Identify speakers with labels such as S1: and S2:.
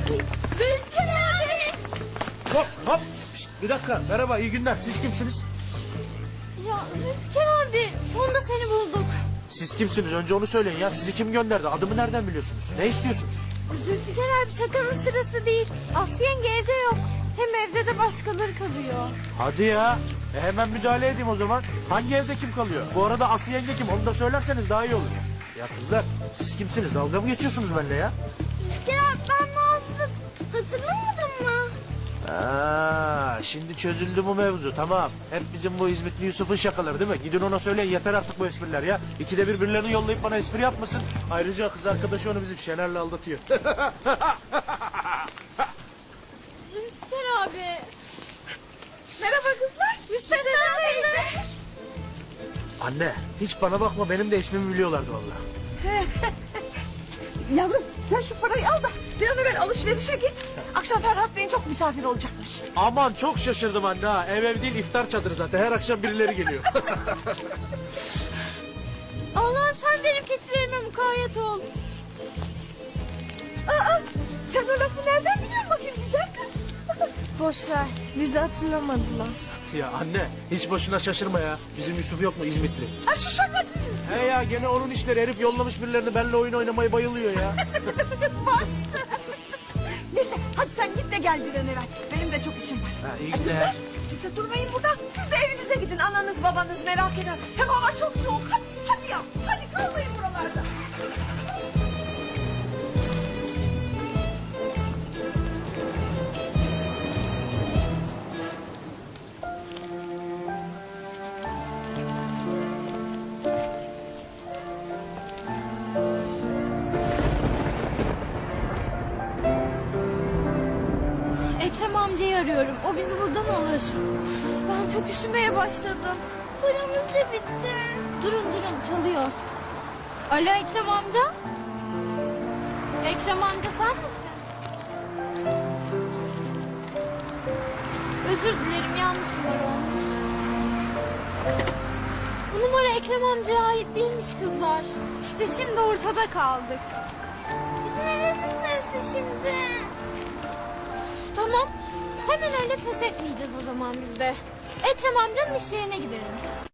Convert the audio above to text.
S1: Zülfikar abi.
S2: Hop hop. Şişt, bir dakika. Merhaba, iyi günler. Siz kimsiniz?
S1: Ya Zülfikar abi sonunda seni bulduk.
S2: Siz kimsiniz? Önce onu söyleyin ya. Sizi kim gönderdi? Adımı nereden biliyorsunuz? Ne istiyorsunuz?
S1: Zülfikar abi şakanın sırası değil. Aslı yenge evde yok. Hem evde de başkaları kalıyor.
S2: Hadi ya. Hemen müdahale edeyim o zaman. Hangi evde kim kalıyor? Bu arada Aslı yenge kim? Onu da söylerseniz daha iyi olur. Ya kızlar, siz kimsiniz? Dalga mı geçiyorsunuz benimle ya?
S1: Zülfikar abi ben Nazlı. Hatırlamadın mı?
S2: Şimdi çözüldü bu mevzu, tamam. Hep bizim bu İzmitli Yusuf'un şakaları değil mi? Gidin ona söyleyin, yeter artık bu espriler ya. İkide bir birilerini yollayıp bana espri yapmasın. Ayrıca kız arkadaşı onu bizim Şener'le aldatıyor.
S1: Zülfikar abi.
S3: Merhaba kızlar.
S1: Müstesna teyze.
S2: Anne, hiç bana bakma, benim de ismimi biliyorlardı vallahi.
S3: Yavrum sen şu parayı al da bir an evvel alışverişe git. Akşam Ferhat Bey'in çok misafir olacakmış.
S2: Aman çok şaşırdım anne ha. Ev değil, iftar çadırı zaten. Her akşam birileri geliyor.
S1: Allah'ım sen benim keçilerime mukayyet ol.
S3: Aa, sen o lafı nereden biliyorsun bakayım güzel kız?
S1: Boş ver. Bizi hatırlamadılar.
S2: Ya anne, hiç boşuna şaşırma ya. Bizim Yusuf yok mu İzmitli?
S3: Ha şu şakacı.
S2: He ya, gene onun işleri. Herif yollamış birilerini, benimle oyun oynamayı bayılıyor ya.
S3: Neyse hadi sen git de gel bir an evvel. Benim de çok işim var.
S2: Ha, iyi
S3: Hadi
S2: günler.
S3: kızlar, siz de durmayın burada. Siz de evinize gidin. Ananız babanız merak eder. Hem hava çok soğuk. Hadi ya. Hadi kalmayın buralarda.
S1: Ekrem amcayı arıyorum. O bizi buradan alır. Ben çok üşümeye başladım. Paramız da bitti. Durun çalıyor. Alo Ekrem amca. Ekrem amca sen misin? Özür dilerim, yanlış numara olmuş. Bu numara Ekrem amcaya ait değilmiş kızlar. İşte şimdi ortada kaldık. Bizim evimiz neresi şimdi? Tamam. Hemen öyle pes etmeyeceğiz o zaman biz de. Ekrem amcanın iş yerine gidelim.